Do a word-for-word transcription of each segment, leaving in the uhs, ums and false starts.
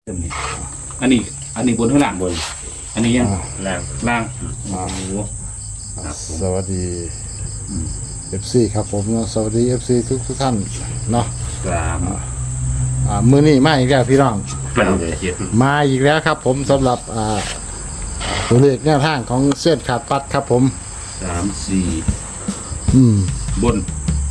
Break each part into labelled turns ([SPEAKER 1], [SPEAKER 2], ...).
[SPEAKER 1] อันนี้อันนี้บนข้างล่างบนอันนี้ยัง
[SPEAKER 2] ล่าง
[SPEAKER 1] ล่าง
[SPEAKER 3] อ่า
[SPEAKER 1] โอ้โหครับผม
[SPEAKER 3] สวัสดีเอฟซีครับผมเนาะสวัสดีเอฟซีทุกทุกท่านเนาะ
[SPEAKER 1] สาม
[SPEAKER 3] อ่ามือนี้มาอีกแล้วพี่น้อง
[SPEAKER 2] มันเลย
[SPEAKER 1] เจ็ด
[SPEAKER 3] มาอีกแล้วครับผมสำหรับอ่าตัวเลขแนวทางของเส้นขาดปัดครับผม
[SPEAKER 1] สามสี่
[SPEAKER 3] อืม
[SPEAKER 1] บน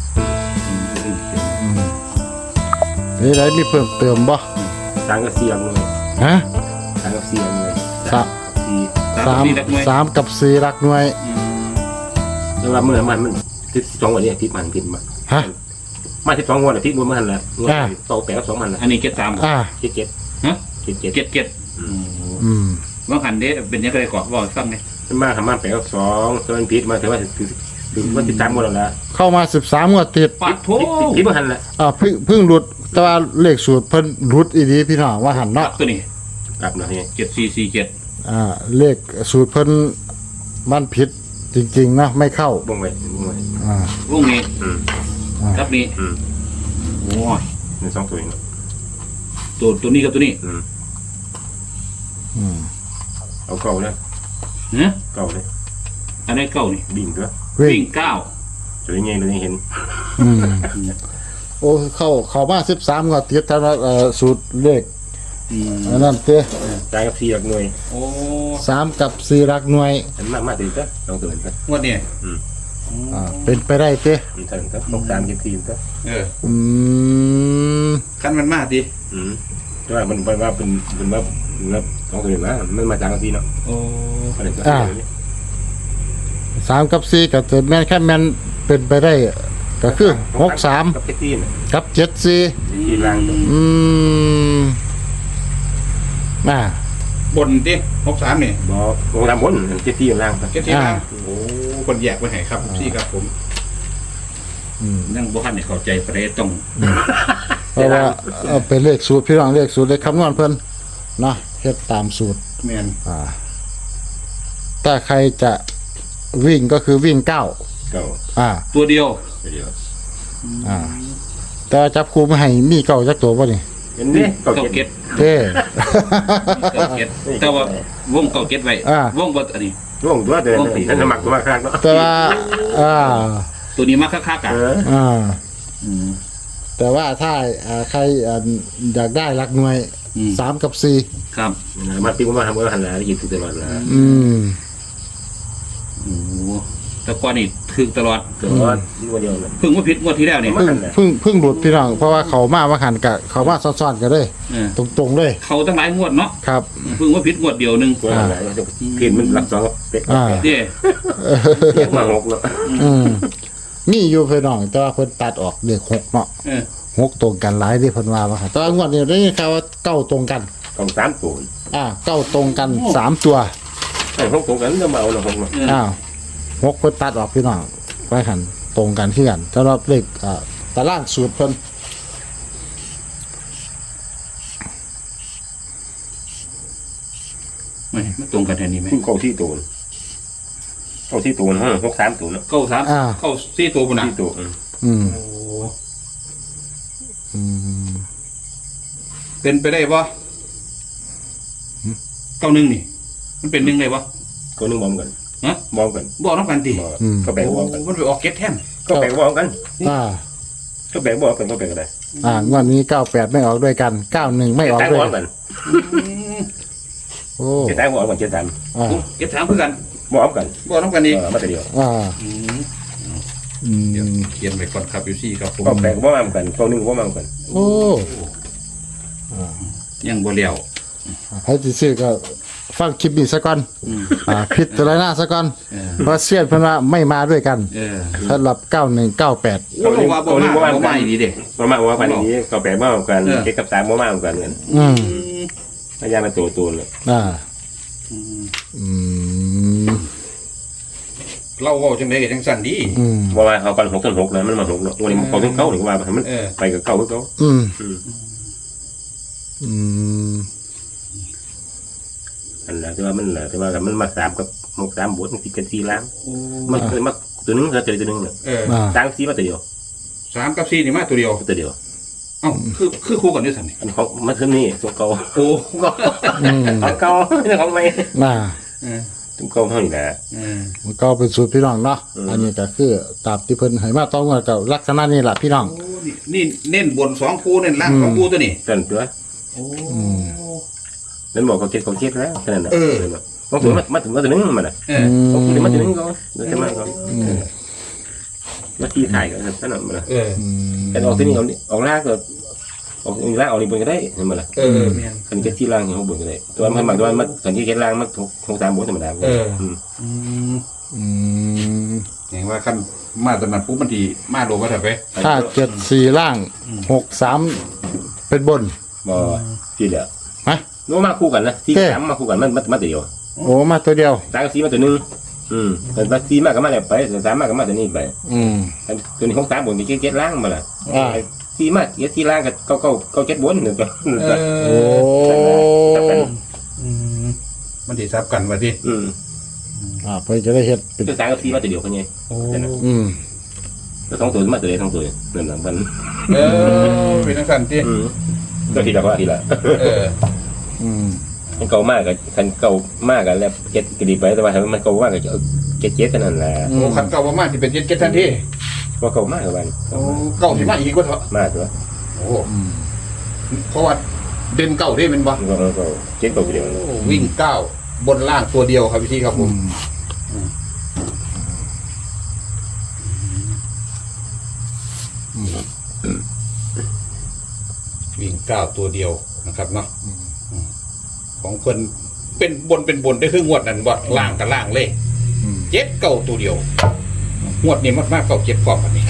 [SPEAKER 3] นี่ไรมีเพิ่มเติมบ่
[SPEAKER 2] สามกับสี่เลย
[SPEAKER 3] ฮะ
[SPEAKER 2] สามกับสี่เลย
[SPEAKER 3] สาม
[SPEAKER 1] สี่
[SPEAKER 3] สาม
[SPEAKER 1] สี่หลักหน่วย
[SPEAKER 3] สามกับสี่หลักหน่วย
[SPEAKER 1] อืม
[SPEAKER 2] แล้วว่าเมื่อมันมันทิศสองวันนี้ทิศมันทิศมัน
[SPEAKER 3] ฮะ
[SPEAKER 2] มาทิศสองวันทิศบนมันแหละงวดต่อแปดสองมันละ
[SPEAKER 1] อันนี้เจ็ดสาม
[SPEAKER 3] อ่า
[SPEAKER 2] เจ็ดเจ็ด
[SPEAKER 1] ฮะ
[SPEAKER 2] เจ็ดเจ็ด
[SPEAKER 1] เจ็ดเจ็ด
[SPEAKER 3] อืม
[SPEAKER 1] ว่าหันเด้เป็นยังไงก่อนบอกฟังเนี่ย
[SPEAKER 2] มาทำมาแปดสองตัวมันพิษมาถือว่าถึงถึงว่าติดตามหมดแล้ว
[SPEAKER 3] เข้ามาสิบสามงวดติด
[SPEAKER 1] ปัดโถ
[SPEAKER 2] พิษมันหันละ
[SPEAKER 3] อ่าเพิ่งเพิ่งหลุดแต่ว่าเลขสูตรเพิ่นหลุดอีดีพี่น้องว่าหัน
[SPEAKER 1] ปั
[SPEAKER 3] เนาะ
[SPEAKER 1] ดตัวนี้
[SPEAKER 2] กลับนะนี่
[SPEAKER 1] เจ็ดสี่สี่เจ็ด
[SPEAKER 3] อ่าเลขสูตรเพิ่นมันผิดจริงๆนะไม่เข้า
[SPEAKER 2] บ่งไว้บ่งไว้
[SPEAKER 3] อ่าว
[SPEAKER 1] งนี้
[SPEAKER 2] อืม
[SPEAKER 1] กับนี้
[SPEAKER 2] อืม
[SPEAKER 1] โอ้ย
[SPEAKER 2] นี่สองตัวเอง
[SPEAKER 1] ตัวตัวนี้กับตัวนี้
[SPEAKER 2] อืม
[SPEAKER 3] อืม
[SPEAKER 2] เอาเก่าเลย
[SPEAKER 1] เนะ
[SPEAKER 2] เก่าเลย
[SPEAKER 1] อันนี้เก้านี่
[SPEAKER 2] บิ่งตัว
[SPEAKER 3] วิ่
[SPEAKER 1] วิ่
[SPEAKER 3] ง
[SPEAKER 1] งเก้า
[SPEAKER 2] ตัวนี้ไงตัวนี้เห็น
[SPEAKER 3] อืมโอ้เข้าเข้ามาสิบสามงวดติดแต่ว่าเอ่อสูตรเลข
[SPEAKER 1] อืม
[SPEAKER 3] อันนั้นเต้
[SPEAKER 2] ตายกับสี่หลักหน่วย
[SPEAKER 1] โอ้
[SPEAKER 3] สามกับสี่หลักหน่วย
[SPEAKER 2] อันมากมากติดตัวสองตัวเองตัว
[SPEAKER 1] งวดเนี่ย
[SPEAKER 2] อืม
[SPEAKER 3] อ่าเป็นไปได้เต้
[SPEAKER 2] มันถึงตัวต้องตามเก็บทีมตัว
[SPEAKER 1] เออ
[SPEAKER 3] อืม
[SPEAKER 1] ขั้นมันมากดิ
[SPEAKER 2] อืมแต่ว่ามันว่าเป็นเป็นว่าแล้วสองตัวเองนะมันมาจากที่เนาะ
[SPEAKER 1] โอ้
[SPEAKER 2] มันเลยตัวนี้
[SPEAKER 3] สามกับสี่กับเจ็ดแม่นแค่แม่นเป็นไปได้ก็คือหกสาม
[SPEAKER 2] กับเจ็ดทีน
[SPEAKER 3] กับเจ็ดสี่
[SPEAKER 2] ทีล่างตัว
[SPEAKER 3] อืมน่า
[SPEAKER 1] บนดิหกสามนี่
[SPEAKER 2] บอกลงตามบนเจ็ดทีล่างตัว
[SPEAKER 1] เจ็ดที่ล่างโอ้คนแยกไปไหนครับพี่ครับผม
[SPEAKER 3] อืม
[SPEAKER 1] นั่งบุคันเนี่ยเข้าใจประเด็นต้อง
[SPEAKER 3] เพราะว่าเอาเป็นเลขสูตรพี่น้องเลขสูตรเลขคำนวณเพิ่นเนาะเฮ็ดตามสูตร
[SPEAKER 1] แมน
[SPEAKER 3] อ่าถ้าใครจะวิ่งก็คือวิ่งเก้า
[SPEAKER 2] เก่า
[SPEAKER 3] อ่า
[SPEAKER 1] ตัวเดียว
[SPEAKER 2] เดียว
[SPEAKER 3] อ่า แต่ว่าจับคู่ไม่ให้มีเก้าจักตัวบ่นี่
[SPEAKER 2] เห็นนี่เก่า
[SPEAKER 1] เก้า
[SPEAKER 2] เจ็ด
[SPEAKER 1] เก็ด
[SPEAKER 3] เด้
[SPEAKER 1] เก้าเก็ดแต่ว่าวงเก้าเก็ดไว้
[SPEAKER 3] อ่า
[SPEAKER 1] วงบนอันนี้
[SPEAKER 2] ร่วงตัวเดินนั่นสมัครตัวมาครั้งเนาะ
[SPEAKER 3] แต่ว่า อ่า
[SPEAKER 1] ตัวนี้มาคักๆอ่ะ
[SPEAKER 2] เออ
[SPEAKER 3] อ่า
[SPEAKER 1] อืม
[SPEAKER 3] แต่ว่าถ้าอ่าใครอ่าอยากได้หลักหน่วย
[SPEAKER 1] อืม
[SPEAKER 3] สามกับสี่
[SPEAKER 1] ครับ
[SPEAKER 2] มาปีมาทำเมื่อหันหลังยิงตลอดเลย
[SPEAKER 3] อืม
[SPEAKER 1] โอ้โหแต่ก่อนนี่ถึกตลอด
[SPEAKER 2] ตลอดยิ่งวันเดียวเลย
[SPEAKER 1] เพิ่งว่าผิดงวดที่แล้วนี่
[SPEAKER 3] เพิ่งเพิ่งเพิ่งหลุดพี่น้องเพราะว่าเขามาว่าหันกะเขามาซ้อนๆกันเลย
[SPEAKER 1] เออ
[SPEAKER 3] ตรงๆเลย
[SPEAKER 1] เขาตั้งหลายงวดเนาะ
[SPEAKER 3] ครับ
[SPEAKER 1] เพิ่งว่าผิดงวดเดียวหนึง
[SPEAKER 2] ตัวอะไรเพียนมันหลักสองเป็ด
[SPEAKER 3] อ่า
[SPEAKER 1] เด้
[SPEAKER 2] เพียนมาหกเนาะ
[SPEAKER 3] อืมมีอยู่พี่น้องแต่ว่าเพิ่นตัดออกเลขหกเนาะ
[SPEAKER 1] เออ
[SPEAKER 3] หกตรงกันหลายที่เพิ่นว่าว่าหั่นแต่ว่างวดนี้ได้ยินข่าวว่าเก้าตรงกัน
[SPEAKER 2] กองสามตัว
[SPEAKER 3] อ่าเก้าตรงกันสามตัว
[SPEAKER 2] ไอ้หกตรงกันจะมาเอาหนึ่งหกเนาะ
[SPEAKER 1] เออ
[SPEAKER 3] อ้าวหกเพิ่นตัดออกพี่น้องไว้หันตรงกันที่กันสำหรับเลขอ่าตารางสูตรเพิ่น
[SPEAKER 1] ไม่มันตรงกันแทนนี้ไหม
[SPEAKER 2] เก้าที่ตัวเก้าที่ตัวห้องหกสามตัวเนาะ
[SPEAKER 1] เก้าสามเก้าสี่ตัวบนน่ะ
[SPEAKER 2] ที่ตัว
[SPEAKER 3] อืม
[SPEAKER 1] โอ้
[SPEAKER 3] อืม
[SPEAKER 1] เป็นไปได้ปะเก้าหนึ่งนี่ มันเป็นหนึ่งได้ปะ
[SPEAKER 2] ก็นึงมองกัน
[SPEAKER 1] ฮะ
[SPEAKER 2] มองกัน
[SPEAKER 1] บอกน้องกันดิ
[SPEAKER 2] ก็แบ่งมองกัน
[SPEAKER 1] มันไปออกเก็ตแทน
[SPEAKER 2] ก็แบ่งมองกัน
[SPEAKER 3] อ่า
[SPEAKER 2] ก็แบ่งมองกันก็แบ่งกันได้
[SPEAKER 3] อ่างวดนี้เก้าแปดไม่ออกด้วยกันเก้าหนึ่งไม่ออก
[SPEAKER 2] แต่
[SPEAKER 3] ด้วย
[SPEAKER 2] มองกัน
[SPEAKER 3] โอ้
[SPEAKER 2] เจ็ดแต่มองกันเจ็ดสาม
[SPEAKER 3] อ่า
[SPEAKER 1] เก็ตถามเพื่อกัน
[SPEAKER 2] มองกัน
[SPEAKER 1] บอกน้องกันอีก
[SPEAKER 2] เออมาแต่เดียว
[SPEAKER 3] อ่า
[SPEAKER 1] อืม
[SPEAKER 3] อืม
[SPEAKER 1] เดี๋ยวเขียนไปก่อนครับยูซี่ครับผม
[SPEAKER 2] ก็แบ่งมองกันก็นึงมองกัน
[SPEAKER 3] โอ้
[SPEAKER 1] ยังบ่เลี้ยว
[SPEAKER 3] ให้ที่ซื้อก็ฟังคลิปนี้ซะก่อน
[SPEAKER 1] อืม
[SPEAKER 3] อ่าพิจารณาซะก่อน
[SPEAKER 1] เออ
[SPEAKER 3] เพราะเสียนเพิ่นว่าไม่มาด้วยกัน
[SPEAKER 1] เออ
[SPEAKER 3] สำหรับเก้าหนึ่งเก้าแปด
[SPEAKER 1] โอ้บอกว่าบ่มาบ่มาอีดีเด้
[SPEAKER 2] มามว่าวันนี้ก็แบ่งมองกันเจ็ดกับสามมองกันเงิน
[SPEAKER 3] อืม
[SPEAKER 2] พยายามมาตัวตัวเลย
[SPEAKER 3] อ่า
[SPEAKER 1] อืม
[SPEAKER 3] อืม
[SPEAKER 1] เราเว้าจังได๋ก็จังสั่นดี
[SPEAKER 3] อืม
[SPEAKER 2] ว่าว่าเขากันหกต้นหกนะมันมาหกเนาะวันนี้เขาถึงเก้าหรือว่ามัน
[SPEAKER 1] เออ
[SPEAKER 2] ไปกับเก้ากับเก้า
[SPEAKER 3] อืม
[SPEAKER 2] อืม
[SPEAKER 3] อืม
[SPEAKER 2] อันนั้นที่ว่ามันแหละที่ว่ามันมาสามกับหกสามบวกมันติดกันสี่ล้าน
[SPEAKER 1] โอ้
[SPEAKER 2] มันเคยมาตัวนึงเคยเจอตัวนึงเนี่ย
[SPEAKER 1] เออ
[SPEAKER 3] อ่า
[SPEAKER 2] ตั้งสี่มาตัวเดียว
[SPEAKER 1] สามกับสี่นี่มาตัวเดียว
[SPEAKER 2] ตัวเดียว
[SPEAKER 1] เอ้าคือคือคู่กันด้วยสันนี่
[SPEAKER 2] อันของมันคือนี่ตัวเก่า
[SPEAKER 1] โอ้
[SPEAKER 3] อืม
[SPEAKER 2] ของเก่าไม่ใช่ของใหม่
[SPEAKER 3] น่า
[SPEAKER 1] เออ
[SPEAKER 2] ตัวเก่าเท่านี้นะ
[SPEAKER 1] เออ
[SPEAKER 3] มันก็เป็นสูตรพี่น้องเนาะอันนี้ก็คือตามที่เพิ่นให้มาต้องว่ากับลักษณะนี้แหละพี่น้อง
[SPEAKER 1] โอ้นี่นี่เน้นบนสองคู่เน้นล่างสองคู่ตัวนี้
[SPEAKER 2] เต้นตัว
[SPEAKER 1] โอ้
[SPEAKER 2] นั่นบอกเขาเจ็ดเขาเจ็ดแล้วแค่นั้นนะ
[SPEAKER 1] เออ
[SPEAKER 2] ต้องถึงมามาถึงมาถึงนึงมันอ่ะ
[SPEAKER 1] เออ
[SPEAKER 2] ต้องถึงมาถึงนึงก็เดี๋ยวจะมาก็มาที่ถ่ายกันนั่นน่ะมันนะ
[SPEAKER 1] เออ
[SPEAKER 3] อืม
[SPEAKER 2] แต่ออกที่นี่เอาออกล่างก็ออกล่างออกนี่บนก็ได้เห็นมั้ยล่ะ
[SPEAKER 1] เออแม่น
[SPEAKER 2] คันเก็ตที่ล่างของบนก็ได้ตัวมันหมายถึงว่ามันคันที่เก็ตล่างมันคงตามบนธรรมดา
[SPEAKER 1] เออ
[SPEAKER 2] อืม
[SPEAKER 1] อืม
[SPEAKER 3] อืม
[SPEAKER 1] อย่างว่าขั้นมาตอนนั้นปุ๊บมันทีมาโลว่าเถอะไป
[SPEAKER 3] ถ้าเจ็ดสี่ล่างหกสามเป็นบน
[SPEAKER 2] บ่ที่เดียว
[SPEAKER 3] ฮะ
[SPEAKER 2] โน้มาคู่กันนะที่สามมาคู่กันมันมันมาตัวเดียว
[SPEAKER 3] โอ้มาตัวเดียว
[SPEAKER 2] สามกับสี่มาตัวนึงอืมแต่ว่าสี่มาก็มาแล้วไปสามมาก็มาตัวนี้ไป
[SPEAKER 3] อืม
[SPEAKER 2] ตัวนี้ของสามบนก็เก็ตล่างมาล่ะ
[SPEAKER 3] อ่า
[SPEAKER 2] สี่มาเก็ตที่ล่างก็เก้าเก้าเก้าเจ็ดบนนึงก็
[SPEAKER 1] เอ
[SPEAKER 3] โอ้
[SPEAKER 1] ออืมมันทีซับกันว่าดิ
[SPEAKER 2] อืม
[SPEAKER 3] อ่าเพื่อจะได้เฮ็ดเป็น
[SPEAKER 2] ตัวสามกับสี่มาตัวเดียวคนนี้
[SPEAKER 1] โอ้
[SPEAKER 3] อืม
[SPEAKER 2] แล้วสองตัวมาตัวเดียวสองตัวนั่นแหละมัน
[SPEAKER 1] เออเป็นทังสันที่
[SPEAKER 2] อืมก็ทีละว่าทีละ
[SPEAKER 1] เออ
[SPEAKER 3] อืม
[SPEAKER 2] มันเก่ามากกับคันเก่ามากกับแล้วเจ็ดกระดิบไปแต่ว่ามันเก่ามากกับเจ็ดเจ็ดเท่านั้นแหละ
[SPEAKER 1] โอ้ขันเก่าประมาณที่เป็นเจ็ดเจ็ดทันที
[SPEAKER 2] ว่าเก่ามากกับมัน
[SPEAKER 1] โอ้เก่าที่มาอีกว่าเถอะ
[SPEAKER 2] มากตัว
[SPEAKER 1] โอ้เพราะว่าเด่นเก่าได้เป็นบ่
[SPEAKER 2] มันก็เจ็ดเก่าเดียว
[SPEAKER 1] โอ้วิ่งเก้าบนล่างตัวเดียวครับพี่ที่ครับผมวิ่งเก้าตัวเดียวนะครับเนาะของคนเป็นบนเป็นบนได้ครึ่งงวดนั่นบ่ล่างกับล่างเลย
[SPEAKER 3] อืม
[SPEAKER 1] เจ็ดเก่าตัวเดียวงวดนี้มากมากเก่าเจ็ดพร้อมกันนี่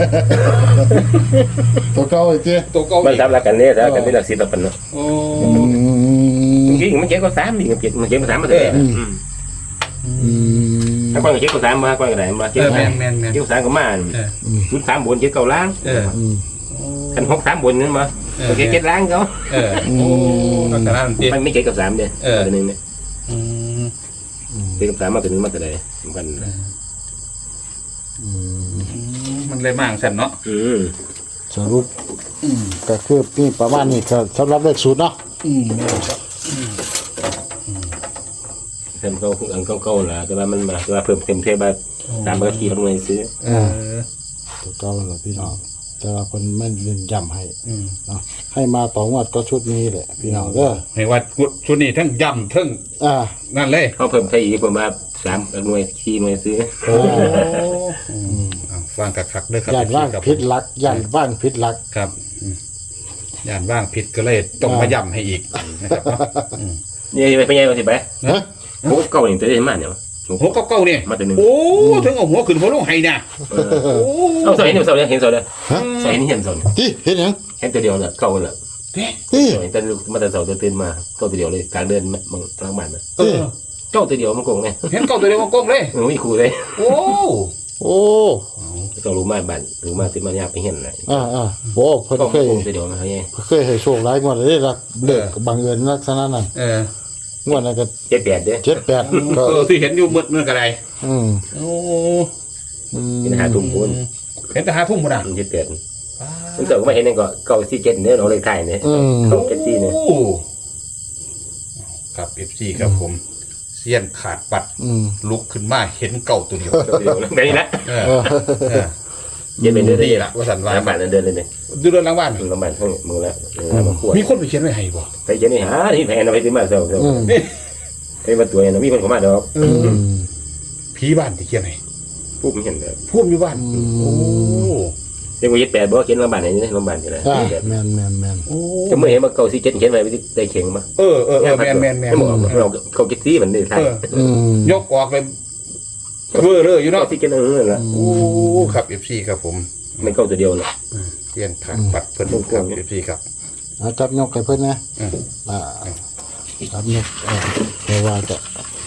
[SPEAKER 3] ตัวเก่าไอ้เจ้
[SPEAKER 1] ตัวเก่า
[SPEAKER 2] มัน
[SPEAKER 1] อีก
[SPEAKER 2] ทำรักกันเนี่ยแต่กันเป็นหลักสิบปันเนาะ
[SPEAKER 1] โอ้
[SPEAKER 3] อืม
[SPEAKER 2] จริงมันเจ็ดก็สามดิมันเจ็ดมันเจ็ดก็สามมาเลย
[SPEAKER 3] อืม
[SPEAKER 2] ถ้าก้อนเจ็ดก็สามมาก้อนก็ได้มาเจ็
[SPEAKER 1] เอ
[SPEAKER 2] ด
[SPEAKER 1] อ
[SPEAKER 2] ก็
[SPEAKER 1] แม
[SPEAKER 2] สาม
[SPEAKER 1] นแมนแมน
[SPEAKER 2] เจ็ดก็สามก็มา
[SPEAKER 1] เออ
[SPEAKER 2] ศูนย์สามบนเจ็ดเก้าล้าง
[SPEAKER 1] เออ
[SPEAKER 3] อืม
[SPEAKER 2] คันหกสามบนนี่มาเจ็ดเจ็ดล้างเขา
[SPEAKER 1] เออโอ้ลักษณะนั้นดิ
[SPEAKER 2] มันไม่เจ็ดกับสามเด้ตัวนึงเนี่ย
[SPEAKER 1] อืม
[SPEAKER 2] เจ็ดกับสามมาตัวนึงมาตัวใดสำคัญ
[SPEAKER 3] อืม
[SPEAKER 1] มันเลยมากสันเนาะ
[SPEAKER 2] อืม
[SPEAKER 3] สรุปก็คือนี่ประมาณนี้ก็สำหรับเลขสูตรเนาะ
[SPEAKER 1] อืมแม่นครับ
[SPEAKER 2] เต็มเก่าอันเก่าๆล่ะแต่ว่ามันมาแต่ว่าเพิ่มเต็มเท่าแบบสามเบอร์ที่เขาเลยซื้อ
[SPEAKER 1] เออ
[SPEAKER 3] ตัวเก่าแหละพี่น้องแต่ว่าคนไม่เน้นย้ำให้
[SPEAKER 1] อืม
[SPEAKER 3] เนาะให้มาต่องวดก็ชุดนี้แหละพี่น้องเด้อ
[SPEAKER 1] ให้ว่าชุดนี้ทั้งย่ำทั้ง
[SPEAKER 3] อ่า
[SPEAKER 1] นั่นเลย
[SPEAKER 2] เขาเพิ่มไทยอีกประมาณสามหน่วยสี่หน่วยซื้อ
[SPEAKER 1] โอ้ฟังคักๆเด้อครับ
[SPEAKER 3] ย่านว่าง
[SPEAKER 1] ครับ
[SPEAKER 3] พิษลักย่านว่างพิษลัก
[SPEAKER 1] ครับอืมย่านว่างผิดก็เลยต้องมาย่ำให้อีกนะครับเนาะอืม
[SPEAKER 2] นี่ไปไปยังไงไป
[SPEAKER 3] ฮะ
[SPEAKER 2] โอ้เก่าหนึ่งตัวได้มากเนี่ย
[SPEAKER 1] หัวเก่าๆเนี่ย
[SPEAKER 2] มาตัวหนึ่ง
[SPEAKER 1] โอ้ถึงเอาหัวขึ้นหัวลงให้นะโอ้
[SPEAKER 2] เอาใส่เห็นเสาเลยเห็นเสาเลย
[SPEAKER 3] ฮะ
[SPEAKER 2] ใส่เห็นเห็นเสา
[SPEAKER 3] ที่เห็นยัง
[SPEAKER 2] เห็นตัวเดียวเลยเก่าเลย
[SPEAKER 1] เด้
[SPEAKER 3] ที่
[SPEAKER 2] เห็นแต่มาแต่เสาตัวตื่นมาเก่าตัวเดียวเลยกลางเดินมังทางบ้านนะ
[SPEAKER 1] เออ
[SPEAKER 2] เก่าตัวเดียวมันโกงไง
[SPEAKER 1] เห็นเก่าตัวเดียวมันโกงเลย
[SPEAKER 2] มันไม่คู่เลย
[SPEAKER 1] โอ้
[SPEAKER 3] โอ้
[SPEAKER 2] ต้องรู้มาบ้านรู้มาตื่นมายากไปเห็นเลย
[SPEAKER 3] อ่าอ่าโอ้เพิ่น
[SPEAKER 2] ก็
[SPEAKER 3] เคย
[SPEAKER 2] โกงตัวเดียวมาเขาไง
[SPEAKER 3] เคยให้โชคหลายงวดเลยรักเลิกบังเอิญลักษณะนั้น
[SPEAKER 1] เออง
[SPEAKER 3] วดนั้นก็
[SPEAKER 2] เจ็ดแปดเด้
[SPEAKER 3] เจ็ดแปดก็
[SPEAKER 1] เออที่เห็นอยู่มืดมืดกระไร
[SPEAKER 3] อืม
[SPEAKER 1] โอ้
[SPEAKER 3] อืม
[SPEAKER 2] เห็นหาทุ่มพูน
[SPEAKER 1] เห็นแต่หาทุ่มหมดอ่ะ
[SPEAKER 2] เจ็ดแปดมันเสาไม่เห็นนั่นก็เก่าสี่เจ็ดเนี่ยเราเลยถ่ายเนี่ย
[SPEAKER 3] อืม
[SPEAKER 2] เก่าเจ็ดสี่เนี่ย
[SPEAKER 1] โอ้ครับเอฟซีครับผมเสี้ยนขาดปัด
[SPEAKER 3] อืม
[SPEAKER 1] ลุกขึ้นมาเห็นเก่าตัวเดียว
[SPEAKER 2] ตัวเดียวแบบนี้นะ
[SPEAKER 1] เออ
[SPEAKER 3] เออ
[SPEAKER 1] เออ
[SPEAKER 2] เย็นเป็นเดือน
[SPEAKER 1] นี่แหละว่าสันว่า
[SPEAKER 2] น้ำบ้านเดินเลยเนี่ย
[SPEAKER 1] ดูเรื่องหล้างบ้าน
[SPEAKER 2] มึงน้ำบ้านทั้งมึงแล้วมาขวด
[SPEAKER 1] มีคนไปเขียนไว้ให้บ่
[SPEAKER 2] ไปเจนี่หาที่แพงเอาไปซื้อมาเสาเสา
[SPEAKER 3] อืม
[SPEAKER 2] ไปมาตัวเนี่ยมีคนเข้ามาดอก
[SPEAKER 1] เอ
[SPEAKER 3] อื
[SPEAKER 1] อ
[SPEAKER 3] ม
[SPEAKER 1] ผีบ้านที่เขียนให้
[SPEAKER 2] ผู้ไม่เห็นเลย
[SPEAKER 1] พุ่มอยู่บ้าน
[SPEAKER 3] อืม
[SPEAKER 1] โอ้
[SPEAKER 2] เรียกว่ายึดแปดบอกเขียนโรงพยาบาลไหนนี่โรงพยาบาลที่ไหน
[SPEAKER 3] อ่าแมนแมนแมน
[SPEAKER 1] โอ้
[SPEAKER 2] จะเมื่อเห็นมาเก่าสี่เจ็ดเขียนไว้ไม่ได้เขียนมา
[SPEAKER 1] เออเออเออแมนแมนแมน
[SPEAKER 2] ไม่บอกเราเก่าเจ็ดสี่เหมือนเดิมไทย
[SPEAKER 1] เออ
[SPEAKER 3] อืม
[SPEAKER 1] ยกออกเลยเบ้อเลยอยู่เนาะ
[SPEAKER 2] เก่าสี่เจ็ดเออละ
[SPEAKER 1] โอ้ครับเอฟซีครับผม
[SPEAKER 2] ไม่เก่าตัวเดียวนะ
[SPEAKER 1] เสี้ยนขาดปัดเพิ่นครับเอฟซีครับ
[SPEAKER 3] เอาจับยกให้เพิ่นนะ
[SPEAKER 1] อืม
[SPEAKER 3] อ่าจับยกเออเพราะว่าจะ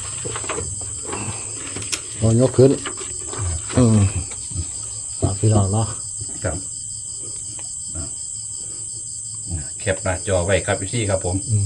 [SPEAKER 3] เอายกขึ้นอืมฝากพี่น้องเนาะ
[SPEAKER 1] ครับอ่ะแคปหน้าจอไว้ครับพี่ซี่ครับผม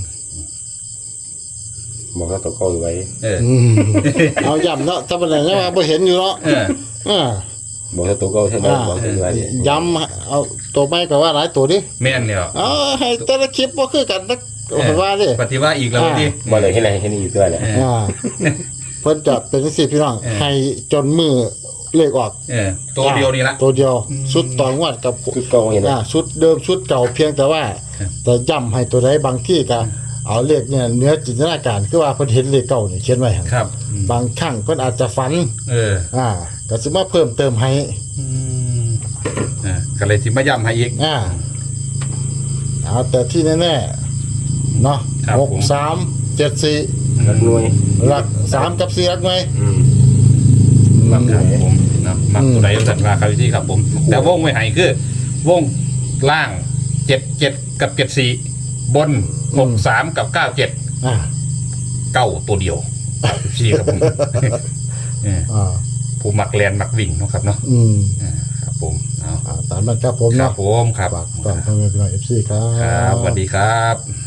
[SPEAKER 2] บอกว่าตัวเก่าอยู่ไว้
[SPEAKER 1] เออ
[SPEAKER 3] อืมเอาย่ำเนาะถ้าเป็นอะไรเนี่ยว่าบ่เห็นอยู่เนาะ
[SPEAKER 1] เออ
[SPEAKER 3] อ่า
[SPEAKER 2] บอกตัวเก่าเท่านั้นบอกตัวว่าเนี่ย
[SPEAKER 3] ย้ำเอาตัวไม่ก็ว่าหลายตัวดิ
[SPEAKER 1] แม่นแล้ว
[SPEAKER 3] เอ๋อให้แต่ละคลิปบ่คือกันนักว่าดิ
[SPEAKER 1] ปฏิว่าอีกแล้วดิ
[SPEAKER 2] บอกเลยให้ไหนให้นี่อยู่ตัวแหละ
[SPEAKER 3] อ่าเพิ่นจะเป็นสิพี่น้องให้จนมือเลขออก
[SPEAKER 1] เออตัวเดียวนี่ละ
[SPEAKER 3] ตัวเดียวชุดต่องวดกับ
[SPEAKER 2] คือเก่าเห็นไหม
[SPEAKER 3] อ่าชุดเดิมชุดเก่าเพียงแต่ว่า
[SPEAKER 1] ครับ
[SPEAKER 3] แต่ย้ำให้ตัวใดบางที่ก็เอาเลขเนี่ยเนื้อจินตนาการคือว่าเพิ่นเห็นเลขเก่านี่เขียนไว้หั่น
[SPEAKER 1] ครับอืม
[SPEAKER 3] บางครั้งเพิ่นอาจจะฝัน
[SPEAKER 1] เออ
[SPEAKER 3] อ่าก็สิมาเพิ่มเติมให้
[SPEAKER 1] อืมอ่าก็เลยที่มาย้ำให้อีก
[SPEAKER 3] อ่าเอาแต่ที่แน่ๆเนาะ
[SPEAKER 1] ครับ
[SPEAKER 3] หก
[SPEAKER 1] ผม
[SPEAKER 3] สามเจ็ดสี่
[SPEAKER 2] รักหน่วย
[SPEAKER 3] หลักสามกับสี่หลักไหม
[SPEAKER 2] อืม
[SPEAKER 1] มักครับผมนะมัก
[SPEAKER 3] อืม
[SPEAKER 1] ตัวใดสันว่าครับที่ครับผม แต่วงไว้ให้คือ วงล่างเจ็ดเจ็ดกับเจ็ดสี่บนหกสามกับเก้าเจ็ด
[SPEAKER 3] อ่า
[SPEAKER 1] เก้าตัวเดียวสี่ครับผมเออ
[SPEAKER 3] อ่า
[SPEAKER 1] ผู้มักแลนมักวิ่งเนาะครับเนาะ
[SPEAKER 3] อืม
[SPEAKER 1] อ่าครับผมเอา
[SPEAKER 3] อ่าตามนั้นครับผม
[SPEAKER 1] ครั
[SPEAKER 3] เนาะ
[SPEAKER 1] บผมครับ
[SPEAKER 3] ฝากตอนพ่อแม่พี่น้องเอฟซีครั
[SPEAKER 1] ครับ
[SPEAKER 3] บ
[SPEAKER 1] สวัสดีครับ